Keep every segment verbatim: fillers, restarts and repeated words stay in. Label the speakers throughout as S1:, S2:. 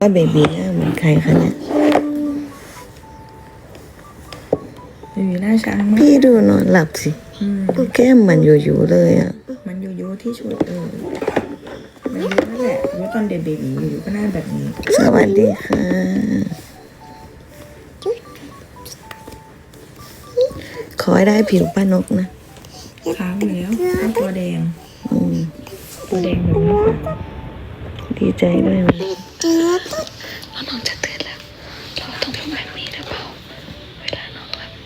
S1: ว่าเบบีหน้าเหมือนใครคะเนี่ย
S2: เบบีหน้าช้างมาก
S1: พี่ดูนอนหลับสิแก้มมันอยู่ๆเลยอ่ะ
S2: มันอยู่ยูที่ชุดเออมันยูนั่นแหละยูตอนเด็กเบบีอยู่ก็หน้าแบบนี้
S1: สวัสดีค่ะขอให้ได้ผิวป้านกนะ
S2: ค้างอยู่แล้วตัวแดงตัวแดงแบบนี้ค่ะ
S1: ดีใจด้วยนะแล้วน้องจะตื่นแล้วเราต้องทำแบบนี้หรือเปล่าเวลาน้องหลับ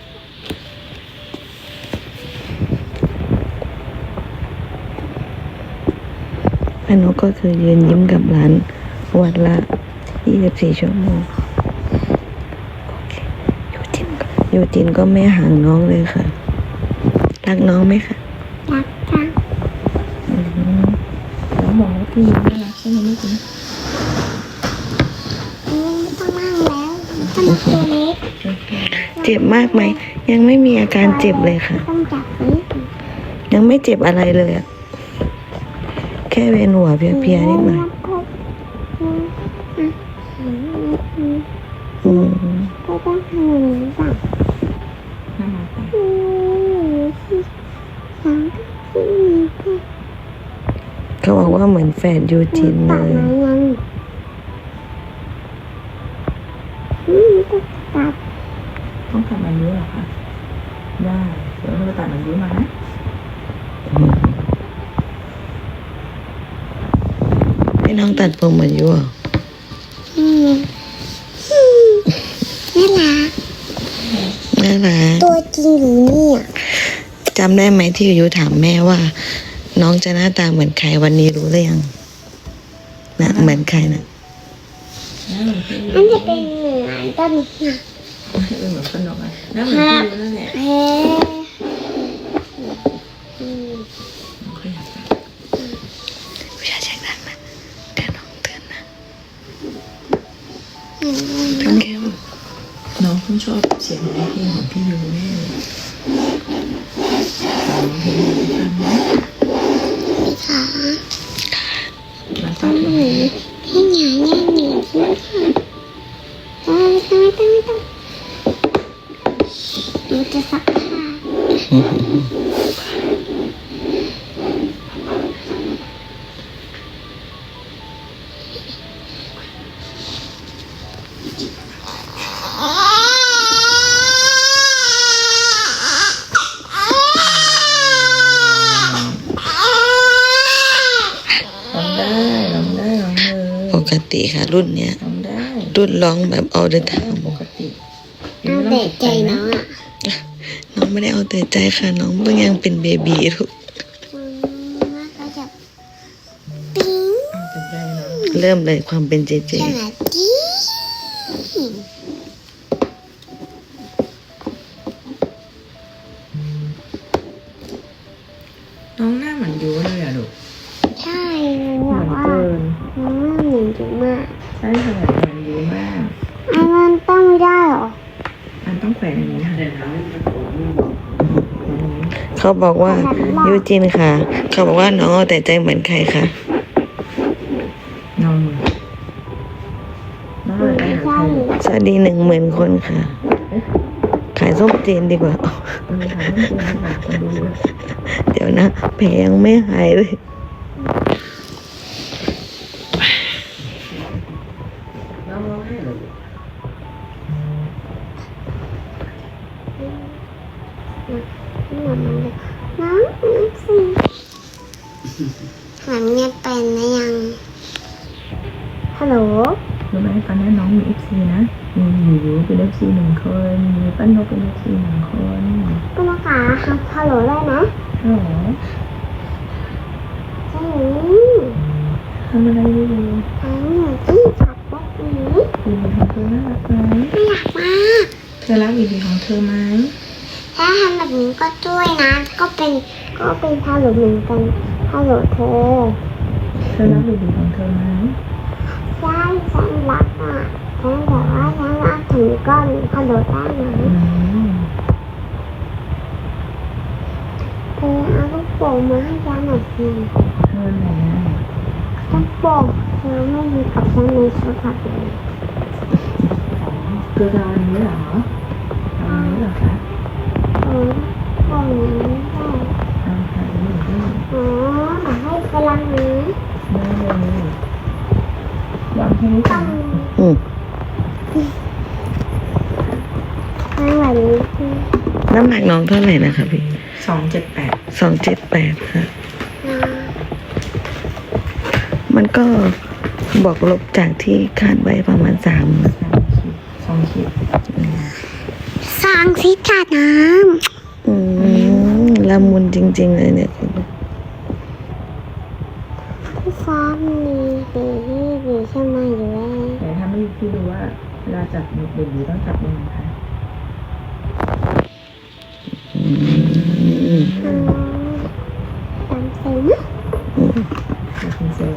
S1: ป้านกก็คือยืนยิ้มกับหลานวันละยี่สิบสี่ชั่วโมงโอเคยูจินยูจินก็ไม่ห่างน้องเลยค่ะรักน้องไหมคะ
S3: รักค่ะ
S2: แล้วบอกว่าพี่ยิ้มน่ารักใช่ไหมลูกนะ
S3: ต้องนั่งแล้วต้องมาตัวเล็ก
S1: เจ็บมากไหมยังไม่มีอาการเจ็บเลยค่ะ
S3: ต้องจับนี้
S1: ยังไม่เจ็บอะไรเลยอะแค่เวียนหัวเพลียๆนิดหน่อยอืม
S3: ก็ต้องทำอย่างนี้ป่ะ
S2: น่ารัก
S3: อืมสามสี่ห้า
S1: เขาบอกว่าเหมือนแฝดยูจินเลย
S3: ตัด
S2: ต้องตัดมันเยอะเหรอคะได้เดี๋ยวเราไปตัดมันเยอะมานะ
S1: ให้น้องตัดผมเหมือนยูอ่ะ
S3: อืมน่ารัก
S1: น่ารัก
S3: ตัวจริงหรือเนี่ย
S1: จำได้ไหมที่ยูถามแม่ว่าน้องจะหน้าตาเหมือนใครวันนี้รู้หรือยังนะเหมือนใครนะ
S3: มันจะเป็นเหมือนต้นนะ
S2: เป็นเหมือนขนมอ่ะน่าเหมือนพี่นั่นแหละ
S3: เฮ้
S1: วิชาเช็คดังนะเดี๋ยวน้องเตือนนะ
S2: ทั้งแก้มน้องเพิ่งชอบเสียงเพลงของพี่ยูแน่เลยเพลงฟังนะ
S3: ค่ะ
S2: มันชอบเพลง
S3: ให้หยาแย่หนีที่ค่ะไม่ต้องไม่ต้องไม่ต้องหนูจะซักผ้า
S1: ปกติค่ะรุ่นเนี้ยรุ่นร้องแบบเอาเดินทาง
S2: ปกติ
S3: เอาแต่ใจน้องอ่ะ
S1: น้องไม่ได้เอาแต่ใจค่ะน้องเพิ่งยังเป็นเบบีลูก
S3: ก็จะปิ๊ง
S1: เริ่มเลยความเป็นเจเจ
S3: ขนาดจี๊
S2: น้องหน้าเหมือนยูเลยอะลูก
S3: ใช่แบบว่าน้องหน้าเหมือนยูมาก
S2: ใช่ค่ะเหมือนยูมาก
S3: อันนั้นต้องไม่ได้หรอ
S2: อันต้องแขวนอย่างนี้ค่ะ
S1: เขาบอกว่ายูจินค่ะเขาบอกว่าน้องเอาแต่ใจเหมือนใครคะ
S2: น้องน้องอะไร
S1: สวัสดีหนึ่งหมื่นคนค่ะขายส้มจีนดีกว่าเดี๋ยวนะแผลยังไม่หายเลย
S3: น้องสิเหมือนเงียบไปนะยังฮัลโหล
S2: รู้ไหมตอนนี้น้องมีเอฟซีนะมีอยู่ยูเป็นเอฟซีหนึ่งคนมีปั้นนกเป็นเอฟซีหนึ่งคน
S3: ป้านกขาฮัลโหลได้ไหม
S2: ฮัลโหล
S3: ใช่
S2: ทำอะไรอยู่
S3: ทำอยู่ที่ขับรถหนี
S2: บีบีของเธอน่ารักไหม
S3: ไม่อยากมา
S2: เธอรักบีบีของเธอไหม
S3: ถ้าทำแบบนี้ก็ช่วยนะก็เป็นก็เป็นฮัลโหลเหมือนกันฮัลโหลเธอ
S2: เธอรักบีบีของเธอไหม
S3: ใช่ฉันรักอ่ะฉันแบบว่าฉันรักถึงก้อนฮัลโหลได้ไหมเธอเอาลูกโป่งมาให้ฉันหน่อยสิ
S2: เธอไหน
S3: ลูกโป่งเธอไม่มีกับฉันในชุดผัดเลย
S2: เกลือดาวนี้เหรอดาวนี้เหรอคะ
S3: เออตรงนี้ได้
S2: เอาค่ะนี่ได้
S3: อ๋อแต่ให้ไปล้างน้
S2: ได้เลยลองแค่นี้
S3: ำ
S2: ก่
S3: ต้
S2: อ
S3: อน ง
S1: อืม
S3: ล้างแบบนี้คือ
S1: น้ำหนักน้องเท่าไหร่นะคะพี่
S2: สองเจ็ดแปด
S1: สองเจ็ดแปดค่ะ
S3: อ่า
S1: มันก็บอกลบจากที่คาดไว้ประมาณสาม
S2: สองขีด
S3: สร้างสิจัดน้
S1: อืมละมุนจริง ๆ เลยเนี่ย
S3: ำพี่ฟ้ามีดีที่ดีใช่ไหมอยู่แล้ว
S2: แต่ถ้าไม่พี่ดูว่าเวลาจับเบบีต้องจับยังไงคะ
S1: อืม
S3: อ๋อตามเซลล์
S2: จับเป็นเซลล์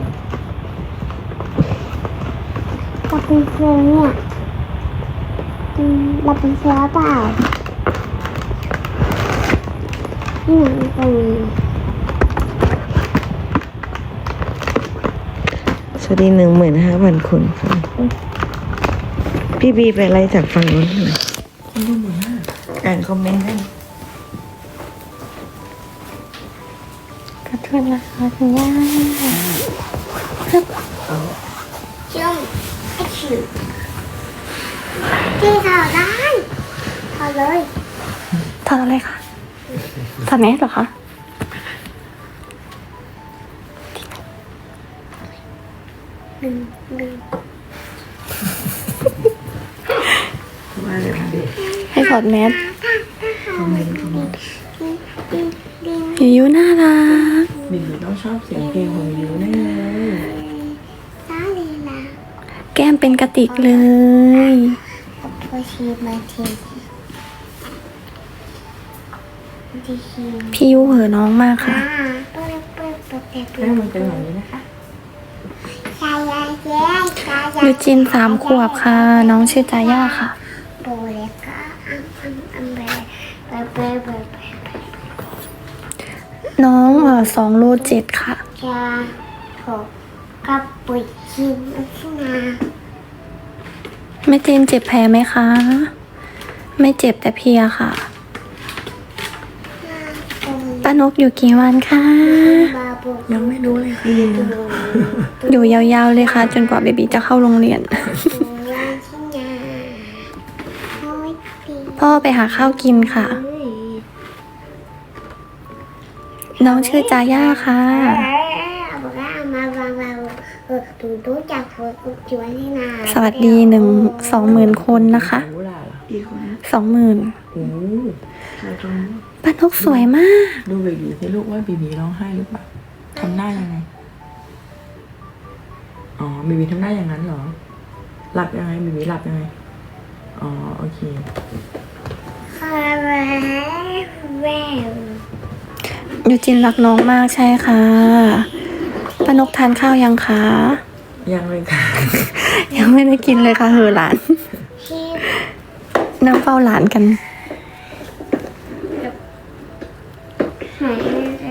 S3: เราเป็นเซลล์เนี่ยอืมเราเป็นเซลล์เปล่านี่เหมือนเป็น
S1: สวัสดีหนึ่งหมื่นห้าพันคนค่ะ พี่บีไปไล่จากฝั่งนู้นหน่อย
S2: คนดูหมื่นห้า
S1: อ่านคอมเมนต์ได้
S3: ขอโทษนะคะคุณย่าจุ่มไอ้ชิวที่ถอดได้ถอดเลย
S4: ถอดอะไรคะถอดแมสเหรอคะ
S3: หนึ่งหนึ่ง
S2: ว่าเลยค่ะเด็ก
S4: ให้ถอดแมส
S2: คอมเมนต์คอมเมนต์
S3: ดิ้งดิ้ง
S4: ยูยูน่ารัก
S2: บีบีต้องชอบเสียงเพลงของยูแน่เลย
S3: ซาลีลา
S4: แก้มเป็นกระติกเลย
S3: โอชีมาทีดีชี
S4: พี่ยูเหอะน้องมากค่ะ
S3: อ่าเปิดเปิดเปิดเปิดเปิ
S2: ให้
S3: ด
S2: มันเป็นแบบนี้นะคะ
S3: ชายาเย้ชายา
S4: ยูจินสามขวบค่ะ น้องชื่อจาย่าค่ะ
S3: โบเลก้าอัมอัมอัมเบเบเบเบเบ
S4: น้องเออสองโลเจ็ดค่ะ
S3: จะถกกับปุ๋ยชิมอัชนา
S4: แม่เจนเจ็บแผลไหมคะ ไม่เจ็บแต่เพลียค่ะ ป้านกอยู่กี่วันคะ
S3: บาบุ
S2: ยังไม่รู้เลยค่ะ
S4: อยู่ยาวๆเลยค่ะ จนกว่าเบบีจะเข้าโรงเรียน
S3: ปูยาชิญาโอ้ยปี
S4: พ่อไปหาข้าวกินค่ะ น้องชื่อจาย่าค่ะ
S3: บอกว่าเอามาบางเราเออตูตู้จากหัวกุจวนให้นา
S4: สวัสดีหนึ่งสองหมื่นคนนะคะ
S2: รู้ล่ะเหรอ
S1: กี่คน
S4: สองหมื่น
S2: โอ้ใช่ตรงนี้
S4: ป้านกสวยมาก
S2: ดูเบบีสิลูกว่าบีบีร้องไห้หรือเปล่าทำหน้ายังไง อ๋อบีบีทำหน้าอย่างนั้นเหรอ หลับยังไงบีบีหลับยังไง อ๋อโอเค
S3: คาราเวล
S4: ยูจินรักน้องมากใช่ค่ะป้านกทานข้าวยังคะ
S2: ยังเลยค่ะ
S4: ยังไม่ได้กินเลยค่ะเหอะหลาน
S3: ชีพ
S4: นั่งเฝ้าหลานกัน
S3: หายเลย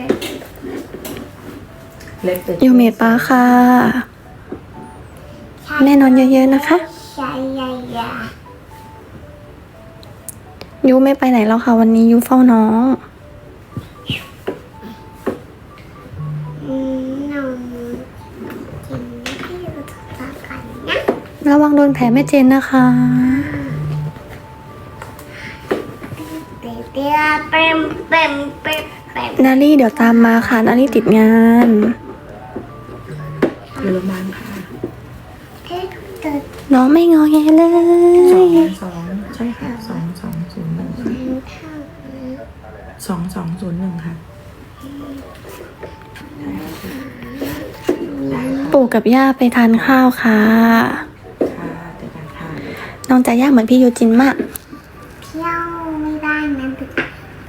S2: เล็กแต่
S4: ยูเมดป้าค่ะ แม่นอนเยอะๆนะคะ
S3: ชายายา
S4: ยูไม่ไปไหนแล้วค่ะ วันนี้ยูเฝ้าน้อง
S3: อืมน้องกินที่เราทำกันนะ
S4: ระวังโดนแผลแม่เจนนะคะ
S3: เดี๋ยวเดี๋ยวเปมเปมเปมเปม
S4: นารี่เดี๋ยวตามมาค่ะ นารี่ติดงาน
S2: อยู่โรงพยาบาลค่ะ
S3: เอ๊ะเกิด
S4: น้องไม่งอแงเล
S2: สอง
S4: ย
S2: สองใช่ค่ะสองสองศูนย์หนึ่ง
S3: ข้าว
S2: สองสองศูนย์หนึ่งค่ะ
S4: ปู่กับย่าไปทานข้าวค่ะ
S2: ค่ะเจอกันค่ะ
S4: น้องจะย่าเหมือนพี่ยูจินมาก
S3: เที่ยวไม่ได้นะตึก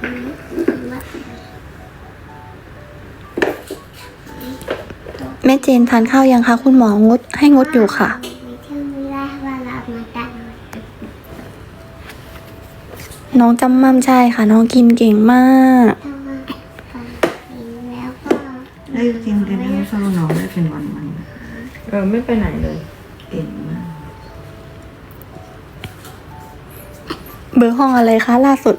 S4: แม่เจนทานข้าวยังคะคุณหมองดให้งดอยู่ค่ะ
S3: ไม่เที่ยวไม่ได้ว่าเรามาดัง
S4: น้องจำมั่มใช่ค่ะ น้องกินเก่งมาก
S3: ถ้าว่าฟังเพลงแล้วก็
S1: ได้จริงจะนั่งเฝ้าน้องได้เป็นวันวัน
S2: เออไม่ไปไหนเลย
S1: เก่งมาก
S4: เบอร์ห้องอะไรคะล่าสุด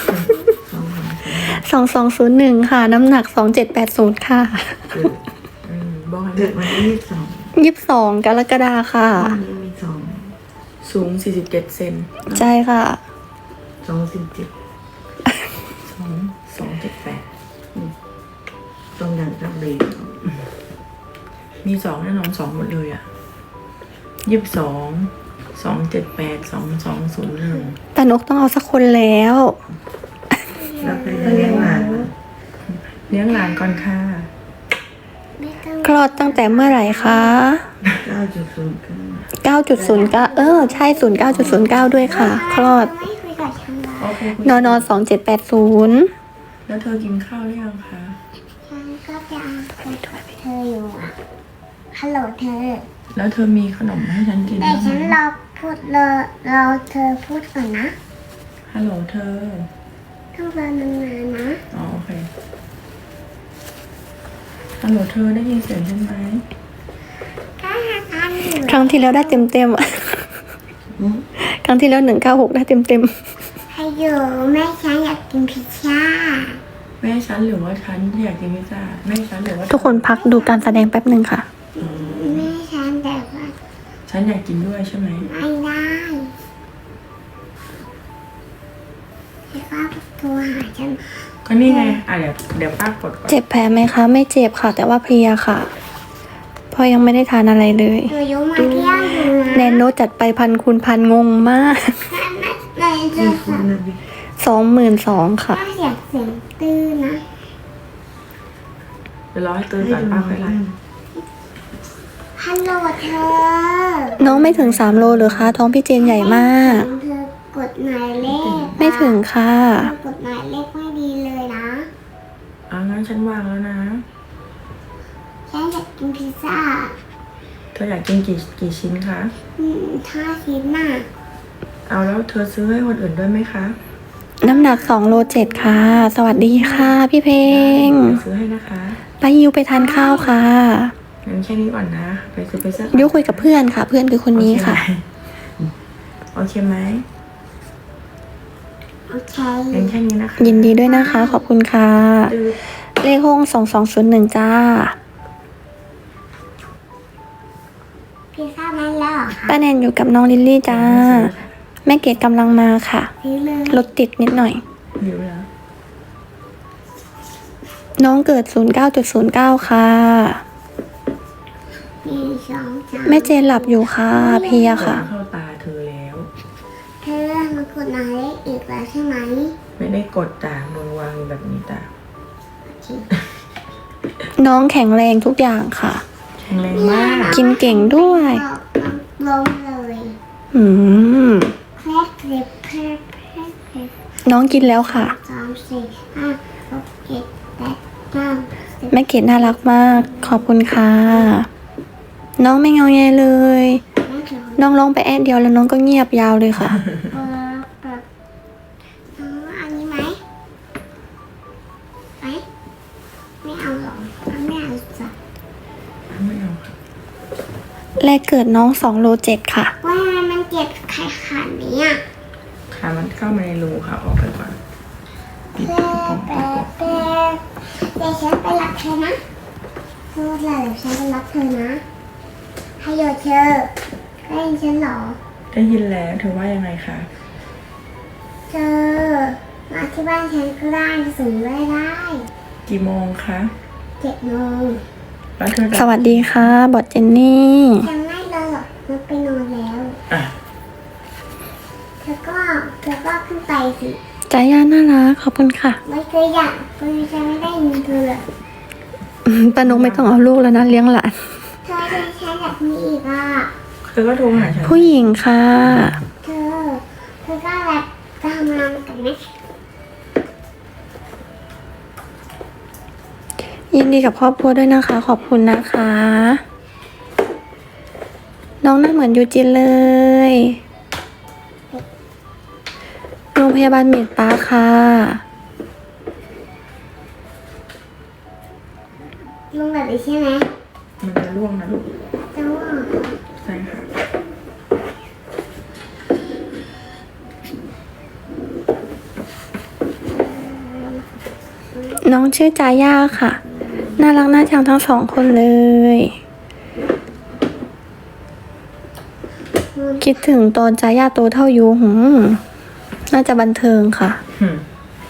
S1: สองสอง
S4: สองสองศูนย์หนึ่งค่ะ น้ำหนักสองเจ็ดแปดศูนย์ค่ะ
S1: เกิด
S2: อืมบอกให้
S1: เกิดวันที่ยี่สิบสอง
S4: ยี่สิบสองกรกฎาค่ะ
S1: วันนี้มีสอง
S2: สูงสี่สิบเจ็ดเซน
S4: ใช่ค่ะ
S1: สองสิบเจ็ด
S2: สองสองเจ็ดแปด
S1: ตรงอย่างกับเบรก
S2: มีสองแน่นอนสองหมดเลยอ่ะยี่สิบสองสองเจ็ดแปดสองสองศูนย์หนึ่ง
S4: ตานกต้องเอาสักคนแล้ว
S1: แล้วไปเลี้ยงหลาน
S2: เลี้ยงหลานก่อนค่ะ
S3: ไม่ต้อง
S4: คลอดตั้งแต่เมื่อไหร่คะ
S1: เก้าจุดศูนย์เก้า
S4: เก้าจุดศูนย์เก้า เออ ใช่ ศูนย์เก้าจุดศูนย์เก้า ด้วยค่ะ คลอด
S3: ไม่คุยกับฉันเลย
S2: โอเค
S4: นอนสองเจ็ดแปดศูนย์
S2: แล้วเธอกินข้าวหรือยังคะ
S3: ฉันก็จะคุยกับเธออยู่อะฮัลโหลเธอ
S2: แล้วเธอมีขนมให้ฉันกิน
S3: แต่
S2: บ้าง
S3: ฉัน
S2: ไหม
S3: รอพูดรอรอเธอพูดก่อนนะ
S2: ฮัลโหลเธอ
S3: ต้องรอนานๆนะ
S2: อ๋อโอเคฮัลโหลเธอได้ยินเสียงฉันไหม
S3: ถ้าหากอันอยู่
S4: ครั้งที่แล้วได้เต็มเต็มๆอะ
S1: อืม
S4: ครั้งที่แล้วหนึ่งเก้าหกได้เต็มเต็ม
S3: ให้อยู่แม่ฉันอยากกินพิซซ่า
S2: แม่ฉันหรือว่าฉันที่อยากกินพิซซ่าแม่ฉันหรือว่า
S4: ๆทุกคนพักดูการแสดงแป๊บหนึ่งค่ะ
S3: แม่ฉันแต่ว่า
S2: ฉันอยากกินด้วยใช่ไหม
S3: ไม่ได้แล้วก็โทรหาฉัน
S2: ก็นี่ไงอ่ะเดี๋ยวเดี๋ยวป้ากดก่อน
S4: เจ็บแผลไหมคะ ไม่เจ็บค่ะ แต่ว่าเพลียค่ะเพราะยังไม่ได้ทานอะไรเลย
S3: หนูยกมาเที่ยวอยู่นะ
S4: แนนโนจัดไปพันคูณพันงงมาก
S3: แม่ไหนจะ
S1: นี่คุณนะบิ๊ก
S4: สองหมื่นสองค่ะ
S3: ถ้าเสียงเสียงตื้นนะ
S2: เดี๋ยวรอให้ตื่นก่อนป้าค่อยไล่
S3: ฮัลโหลเธอ
S4: น้องไม่ถึงสามโลหรือคะ ท้องพี่เจนใหญ่มาก
S3: เธอกดหมายเลข
S4: ไม่ถึงค่ะ
S3: เธอกดหมายเลขไม่ดีเลยนะ
S2: อ่ะงั้นฉันวางแล้วนะ
S3: ฉันอยากกินพิซซ่า
S2: เธออยากกินกี่กี่ชิ้นคะ
S3: อืมถ้าชิ้นน่ะ
S2: เอาแล้วเธอซื้อให้คนอื่นด้วยไหมคะ
S4: น้ำหนักสองโลเจ็ดค่ะ สวัสดีค่ะ พี่เพลง
S2: เดี๋ยวซื้อให้นะคะ
S4: ไปยิวไปทานข้าวค่ะ
S2: งั้นแค่นี้ก่อนนะ ไปซื้อไปซื้อ
S4: ยิวคุยกับเพื่อนค่ะ เพื่อนคือคนนี้ค่ะ
S2: โอเคไหม
S3: โอเค
S2: งั้นแค่นี้นะคะ
S4: ยินดีด้วยนะคะ ขอบคุณค่ะ
S2: ดื้อ
S4: เลขห้องสองสองศูนย์หนึ่งจ้า
S3: พิซซ่านั้นแล้วเหรอคะ
S4: ป้าแนนอยู่กับน้องลิลลี่จ้า แม่เกดกำลังมาค่ะ
S3: ซื้อเลย
S4: รถติดนิดหน่อย
S2: หิวแล้ว
S4: น้องเกิดศูนย์เก้าจุดศูนย์เก้าค่ะ
S3: หนึ่งสองสาม
S4: แม่เจนหลับอยู่ค่ะ เพลียค่ะ
S2: เข้าตาเธอแล้ว
S3: เธอมากดหมายเลขอีกแล้วใช่ไหม
S2: ไม่ได้กดตามือวางอยู่แบบนี้ตา
S3: โอเค
S4: น้องแข็งแรงทุกอย่างค่ะ
S2: แข็งแรงมาก
S4: กินเก่งด้วย
S3: ลงเลย
S4: อืม
S3: แคลกเล็บแคลกแคลกเล็บ
S4: น้องกินแล้วค่ะ
S3: สามสี่ห้าหกเจ็ดแปดเก้าสิบ
S4: แม่เกดน่ารักมาก ขอบคุณค่ะ น้องไม่เงาแงเลย
S3: แม่ถึง
S4: น้องร้องไปแอดเดียวแล้วน้องก็เงียบยาวเลยค่ะ
S3: เออแบบเอาอันนี้ไหมไหมไม่เอาหรอกไม่เอาสัก
S2: ไม่เอาค่ะ
S4: แรกเกิดน้องสองโลเจ็ดค่ะ
S3: ว่ามันเจ็บไข่ขาดนี้อ่ะ
S2: ขามันเข้ามาในรูค่ะ ออกไปก่อนปิด
S3: แป
S2: ปิด
S3: แป
S2: ปิด
S3: แปเดี๋ยวฉันไปรับเธอนะพูดเลยเดี๋ยวฉันไปรับเธอนะให้โยเธอได้ยินฉันเหรอ
S2: ได้ยินแล้วเธอว่ายังไงคะ
S3: เธอมาที่บ้านฉันก็ได้สูงได้ได้
S2: กี่โมงคะ
S3: เจ็ดโมง
S2: แล้วเธอ
S4: ส
S2: จะ
S4: วัสดีค่ะ บอดเจนนี่
S3: ยังไม่เลยหรอกมันไปนอนแล้ว
S2: อ่ะ
S3: เธอก็เธอก็ขึ้นไปสิ
S4: ใจายาน่ารัก ขอบคุณค่ะ
S3: ไม่เคยอยากเคยจะไม่ได้ยินเธอเลย
S4: อืมป้านกไม่ต้องเอาลูกแล้วนะเลี้ยงหลาน
S3: เธอจะใช้แบบนี้อีกอ่ะ
S2: เธอก็โทรหาฉัน
S4: ผู้หญิงค่ะ
S3: เธอ เธอก็แบบทำงานกันไหม
S4: ยินดีกับครอบครัวด้วยนะคะ ขอบคุณนะคะ น้องหน้าเหมือนยูจินเลย โรงพยาบาลเมดปาร์คค่ะ
S3: ลงแบบนี้ใช่ไหม
S2: มันจะร่วงนะลูก
S3: แต่ว่า
S4: น้องชื่อจาย่าค่ะ น่ารักน่าชังทั้งสองคนเลย คิดถึงตอนจาย่าโตเท่ายูหืมน่าจะบันเทิงค่ะ
S2: อืม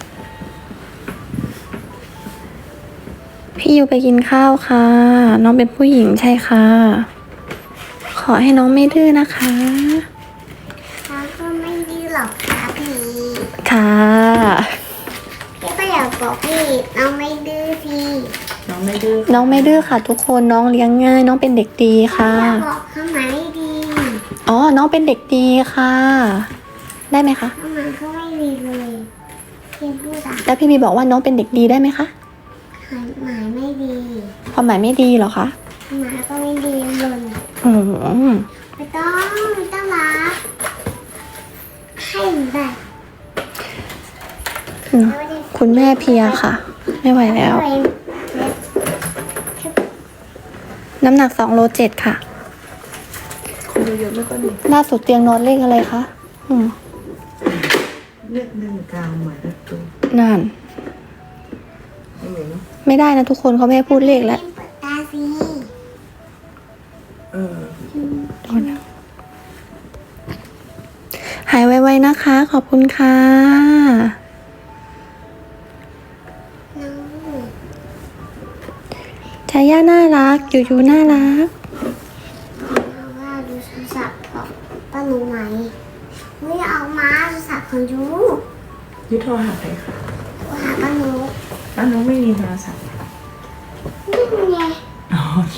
S4: พี่ยูไปกินข้าวค่ะ น้องเป็นผู้หญิงใช่ค่ะ ขอให้น้องไม่ดื้อนะคะ
S3: เขาก็ไม่ดื้อหรอกครับพี่
S4: ค่ะ
S3: พี่ก็อยากบอกพี่น้องไม่ดื้อพี่
S2: น้องไม่ดื้อ
S4: น้องไม่ดื้อค่ะ ทุกคนน้องเลี้ยงง่าย น้องเป็นเด็กดีค่ะ
S3: อยากบอกเขาไหมดี
S4: อ๋อ น้องเป็นเด็กดีค่ะ ได้ไหมคะ
S3: เขามาเขาไม่ดีเลยพี่พูดอะ
S4: แล้วพี่บีบอกว่าน้องเป็นเด็กดีได้ไหมคะ
S3: หมายไม่ดี
S4: ความหมายไม่ดีเหรอคะ
S3: หมายก็ไม่ดีเลย
S4: อืม
S3: ไม่ต้องไม่ต้องรักให้หนูได้
S4: คุณแม่เพลียค่ะ ไม่ไหวแล้ว น้ำหนักสองโลเจ็ดค่ะ
S1: คนเยอะๆไม่ก็ดี
S4: ล่าสุดเตียงนอนเลขอะไรคะอืม
S1: เลือกหนึ่งกลางหมายเลขตัว
S4: นั่น
S1: ไม่เหมือนเนอะ
S4: ไม่ได้นะทุกคนเขาไม่ให้พูดเลขแล้ว
S3: เปิดตาสิ
S2: เออ
S4: หายไวๆนะคะ ขอบคุณค่ะ
S3: น้อง
S4: ชายาน่ารักยูยูน่ารัก
S3: เอาว่าดูโทรศัพท์ของป้าหนูไหมไม่เอามาโทรศัพท์ของยู
S2: ยุโทรหาใครคะ
S3: โทรหาป้าหนู
S2: อ้าวน้องไม่มีโทรศัพท์
S3: นี่ไง
S2: อ๋อโอเค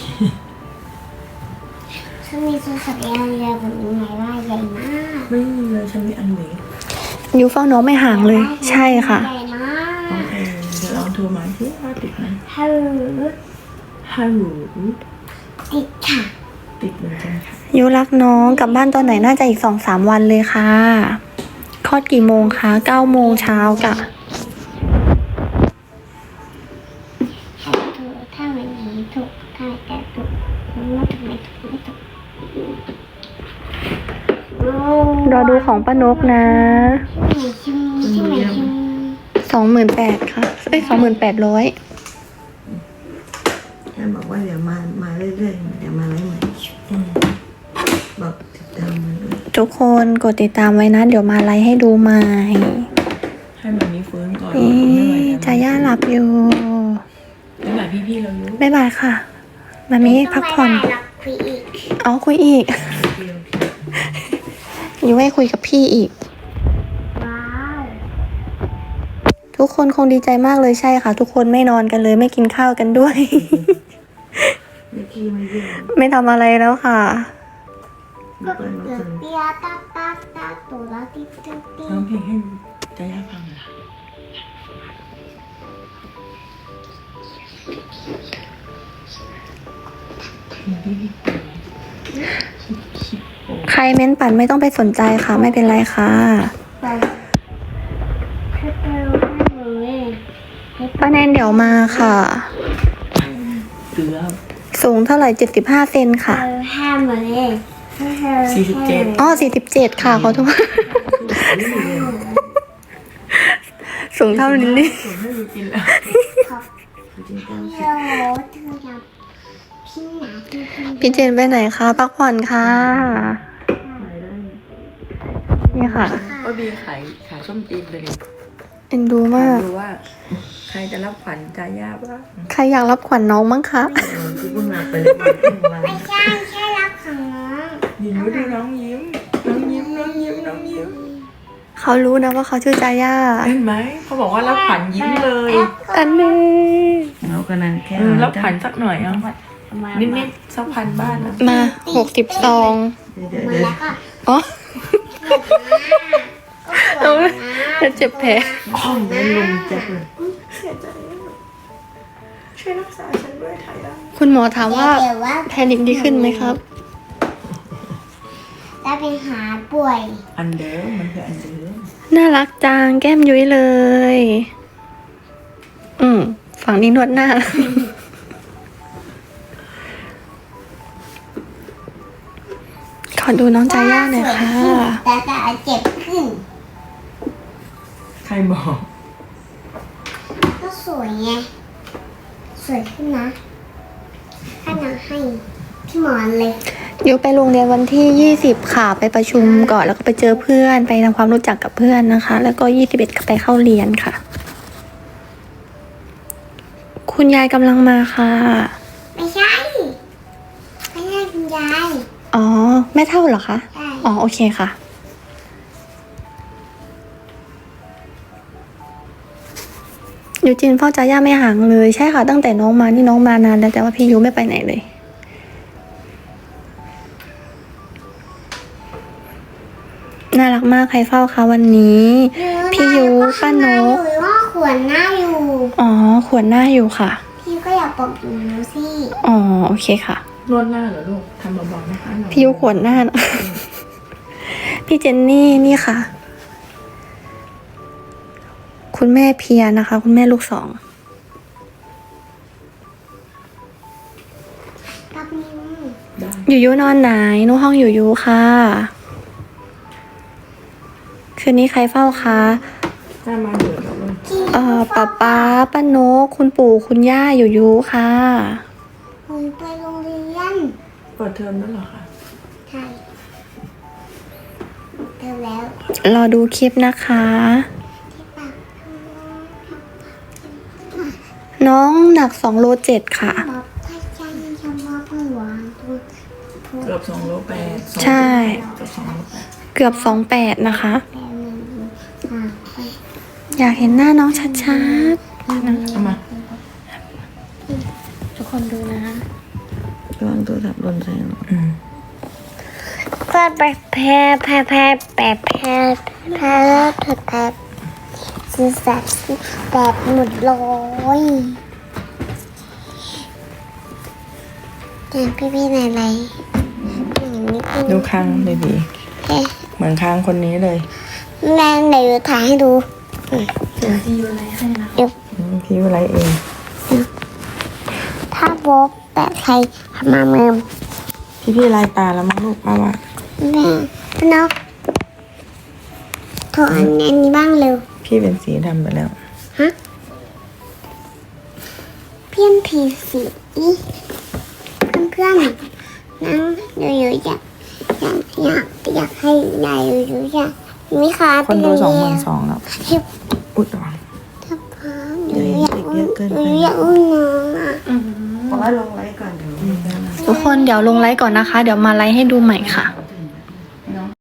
S3: ฉันมีโทรศัพท์ใหญ่ๆแบบนี้ไงว่าใหญ่มาก
S2: ไม่มีเลยฉันมีอันเล็ก
S4: ยูเฝ้าน้องไม่ห่างเลย ใช่ค่ะ
S3: ใหญ่มาก
S2: โอเคเดี๋ยวลองโทรมาที่ว่าติดไหม
S3: ฮัลโหล
S2: ฮัลโหล
S3: ติดค่ะ
S2: ติดเหมือนกันค่ะ
S4: ยูรักน้องกลับบ้านตอนไหนน่าจะอีกสองสามวันเลยค่ะ คลอดกี่โมงคะเก้าโมงเช้ากะ
S3: ถูกถ้ามันนี้ถูกถ้าแต่ถูกมันไม่ถูกไม่ถูกไม่ถูก
S4: รอดูของป้านกนะ
S3: ชิมชิมชิมชิม
S4: สองหมื่นแปดค่ะเอ้ยสองหมื่นแปดร้อย
S1: แค่บอกว่าเดี๋ยวมา มาเรื่อยๆเดี๋ยวมาไล่ใหม่
S2: อืม
S1: บอกติดตามมันด้วย
S4: ทุกคนกดติดตามไว้นะ เดี๋ยวมาไลฟ์ให้ดูใหม่
S2: ให้มันนี้ฟื้นก่อน
S4: เอ๊
S2: ไม่ไหว
S4: ะ
S2: แล้ว
S4: จาย่าหลับอยู่
S2: ไม่ไหวพี่ๆเราอยู่
S4: บ๊ายบายค่ะมามีพักผ่อน
S3: ต้องไม่ได้หรอกคุยอีก
S4: เอาคุยอีก
S2: พี่โอเค
S4: อยู่ให้คุยกับพี่อีก
S3: ว้าว
S4: ทุกคนคงดีใจมากเลยใช่ค่ะ ทุกคนไม่นอนกันเลยไม่กินข้าวกันด้วย
S1: ไม่ขี้ไม่เยี่ยม
S4: ไม่ทำอะไรแล้วค่ะ
S1: มีเพื่อนน้อง
S3: เกิ
S1: เจ
S3: ด
S1: น
S3: เปียตาตาตาตัวแล้วติ๊กติ๊กติ๊
S2: ร้อง
S3: ก
S2: เพลงให้ใจย่าฟังเหรอพี่พี่
S4: ใครเม้นปั่นไม่ต้องไปสนใจค่ะ ไม่เป็นไรค่ะ
S3: ไปให้เร็วให้หนูเลย
S4: ป้าแนนเดี๋ยวมาค่ะ
S2: เกือบ
S4: สูงเท่าไหร่เจ็ดสิบห้าเซนค่ะ
S3: เร็วห้าหมื่นเลย
S2: สี่สิบเจ็ด
S4: อ๋อสี่สิบเจ็ดค่ะขอโทษ สูงเท่าลิลลี่
S2: ผมให้ดูกินแล้ว
S3: ขอบ
S1: จริงๆก็
S3: เดี๋ยวเธอจะพี่หนาพี่พี่
S4: พี่เจนไปไหนคะพักผ่อนค่ะ
S1: ไปได้
S4: นี่ค่ะ
S2: ว่าบีขายขายส้มจีนเลย
S4: เอ็นดูมาก
S2: ดูว่า ใครจะรับขวัญใจย่าบ้าง
S4: ใครอยากรับขวัญน้องมั้งคะ
S1: เออที่เพิ่งมาไปเลยวันเพิ่งมา
S3: ไม่ใช่แค่รับของน้อง
S2: ยิ้มดูน้องยิ้ม น้องยิ้ม น้องยิ้ม น้องยิ้ม
S4: เขารู้นะว่าเขาชื่อจาย่า
S2: เห็นไหม เขาบอกว่ารับขวัญยิ้มเลย
S4: อันนี้
S1: เราก็นั่นแค่
S2: เออรับขวัญสักหน่อยเอานิดนิดๆสักพันบ้านนะ
S4: มาหกสิบซอง
S1: เดี๋ยว
S3: มา
S1: เดี๋ยว
S3: แล้วก็
S4: อ๋อ
S3: ก็ปวดนะ
S4: เจ็บแผล
S1: ห้องนั้นลมจัดเลย
S2: เสียใจช่วยรักษาฉันด้วยไทยแล้ว
S4: คุณหมอถามว่า
S3: เดี๋ยวว่า
S4: แพนิคดีขึ้นไหมครับ
S3: จะไปหาป่วย
S2: อันเดิมมันคืออันเดิม
S4: น่ารักจังแก้มยุ้ยเลย อืมฝั่งนี้นวดหน้า ขอดูน้องจาย่าหน่อยค่ะ
S3: แต่จะเจ็บขึ้น
S2: ใครบอก
S3: ก็สสวยไงสวยขึ้นนะขนาดให้พี่หมอนเลย
S4: ยูไปโรงเรียนวันที่ยี่สิบค่ะ ไปประชุมก่อนแล้วก็ไปเจอเพื่อนไปทำความรู้จักกับเพื่อนนะคะ แล้วก็ยี่สิบเอ็ดไปเข้าเรียนค่ะ คุณยายกำลังมาค่ะ
S3: ไม่ใช่ไม่ใช่คุณยาย
S4: อ๋อแม่เท่าเหรอคะ
S3: ใช่
S4: อ๋อโอเคค่ะ ยูจินเฝ้าจ่าย่าไม่ห่างเลยใช่ค่ะ ตั้งแต่น้องมานี่น้องมานานแล้วแต่ว่าพี่ยูไม่ไปไหนเลย น่ารักมากใครเฝ้าคะวันนี้ พี่ยูป้านก
S3: หรือว่าขวนหน้าอยู่
S4: อ๋อขวนหน้าอยู่ค่ะ
S3: พี่ก็อยากปกอยู่หนูสิ
S4: อ๋อโอเคค่ะ
S2: นวดหน้าเหรอลูกทำเบาๆนะคะ
S4: พี่ยูขวนหน้านะ พี่เจนนี่นี่ค่ะ คุณแม่เพียนะคะ คุณแม่ลูกสอง
S3: กับนิ้ว
S2: ได้
S4: ยูยูนอนไหนนู่ห้องยูยูค่ะ คืนนี้ใครเฝ้าคะ
S2: ถ้ามาเดือดแล้วลูก
S4: เอ่อป๊าป๊าป้านกคุณปู่คุณย่ายูยูค่ะ
S3: หนูไปโรงเรียน
S2: เปิดเทอมแล้วเหรอคะ
S3: ใช่เจอแล้ว
S4: รอดูคลิปนะคะ
S3: ที่ปาก
S4: น้องหนักสองโลเจ็ดค่ะ
S3: บอกถ้าใจจะมาเพื่อหวานทุกทุก
S2: เกือบสองโลแปดสอง
S4: ใช่
S2: เกือบสองโลแปด
S4: เกือบสองแปดนะคะ
S3: แปลหนึ่งอ่าไป
S4: อยากเห็นหน้าน้องชัด
S2: เอามา
S4: ๆ ทุกคนดูนะ
S1: ระวังโทรศัพท์หล่นใส่เรา
S2: อืม
S3: แพ้แพ้แพ้แพ้แพ้แพ้แพ้แพ้แพ้แพ้สีสันแบบหมดเลยแต่พี่พี่ไหนไหนอย่างนี้คือ
S2: ดูคางดี
S3: เอ๊ะ
S2: ๆเหมือนคางคนนี้เลย
S3: แม่เดี๋ยวถ่ายให้ดู
S4: เดี๋ยวที่ยูไลให้นะ
S2: อืมพี่วิไลเอง
S3: ถ้าโบ๊บแปะใครมาเมิม
S2: พี่พี่ลายตาแล้วมั้งลูกป้าว่า
S3: แม่พี่นกโทรอันนี้อันนี้บ้างเร็ว
S2: พี่เป็นสีดำไปแล้ว
S3: ฮะเพี้ยนผีสีเพื่อนๆนั่งอยู่ๆอยากอยากอยากอยากให้ยายอยู่ๆอยากมีขา
S2: คนดู
S3: เป็
S2: สอง
S3: ย่า
S2: หมื่น
S3: เย
S2: สองแล้ว
S3: ทิบ
S2: อุ๊ยระวัง
S3: ถ้าพร้อมอยู่อยากอุ้มอยู่อยากอุ้มน้องอ่ะ
S1: บอกว่าลงไลฟ์ก่อนเดี๋ยว
S4: ทุกคนเดี๋ยวลงไลฟ์ก่อนนะคะ เดี๋ยวมาไลฟ์ให้ดูใหม่ค่ะ